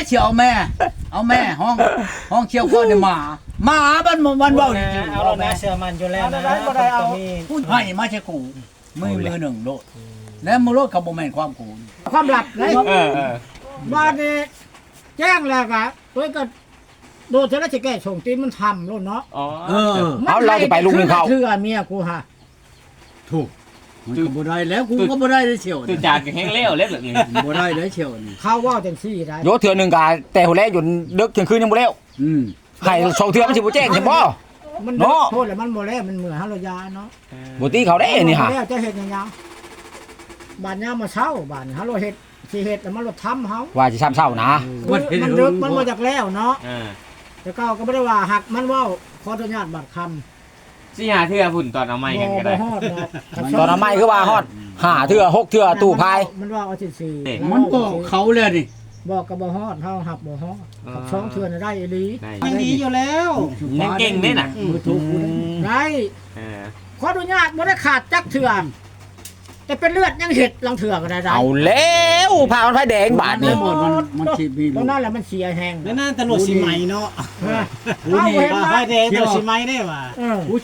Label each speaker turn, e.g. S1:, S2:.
S1: เชียวแม่เอาแม่ห้องเชียวก็เนี่ยหมามันเว้าจริงๆ
S2: เอาเราแม่เชื่อมันอยู่แล้วนะ
S3: บ่ได้เอา
S1: พูดให้มาใช่กูมือหนึ่งโลดแล้วมือโลดกับบ่แม่นความกู
S3: ความลับเลย
S4: เออ
S3: บ้านนี้แจ้งแล้วก็เพิ่นก็โดนเทระสิแก้ส่งตีนมันทำโลดเนาะ
S4: อ๋อ
S5: เอาเราจะไปลุงหนึ่งเขา
S3: เถื่อเมียกูฮะ
S1: ถูกมันก็บ่ได้แล้วกูก็บ่ได้เลยเชียว
S4: ตื่นจากแห้งเลี้ยวเล็บแบบนี้
S1: บ่ได้เลยเชียวนี่
S3: เขาว่าจังซี่ได้
S5: โยเถื่อหนึ่งกาแต่หัวแรกอยู่ดึกเที่ยงคืนยังบ่แล้ว ให้สองเถื่อมันสิบ่แจ้งใช่บ่
S3: มัน
S5: เนาะ
S3: โทษแล้วมันบ่แล้วมันเหมือนฮาโลยาเนาะ
S5: บ่ตีเขาได้นี่ฮะ
S3: แล้วจะเฮ็ดหยังบ้านยามมาเช้าบ้านฮาโลเฮ็ดสิเฮ็ดแล้วมันรถทำเฮา
S5: ว่าสิซ้ำเช้านะ
S3: มันดึกมันมาจากแล้วเนาะ
S4: อ่า
S3: แต่เก้าก็ไม่ได้ว่าหักมันเว่าขออนุญาตบัตรคำ
S4: สิหาเทื่อพุ่นตอนเอาไม้กันก็ได้
S3: บ่ฮอดดอก
S5: ตอนนั้นไม่คือว่าฮอด5เถื่อ6เถื่อตู้พาย
S3: มันว่าเอาสิ
S1: มันบอกเขาเลยนี่
S3: บอกกับบ่ฮอดเฮาหับบ่ฮอดหับช่องเทื่อนได้อีหลี
S4: ได้
S2: ยังดีอยู่แล้ว
S4: ยังเก่งเนี่ยน่ะ
S1: มือถูกกูได้
S3: ได้
S4: เออ
S3: ขออนุญาตบ่ได้ขาดจักเทื่อนแต่เป็นเลือดยังเห็ดลังเถื่อก็ได้ได้
S5: เอาแล้วพามันไฟแดงบาดนี่
S1: มันสิมี
S3: ตรงนั้นแหละมันเสียแห้ง
S2: แล้วนั่นตำรวจสิไหมเนาะ
S3: เอาเห็น
S2: ว่า
S3: ไหม
S2: ไฟแดงตำรวจสิไหมได้ว่า
S3: เออ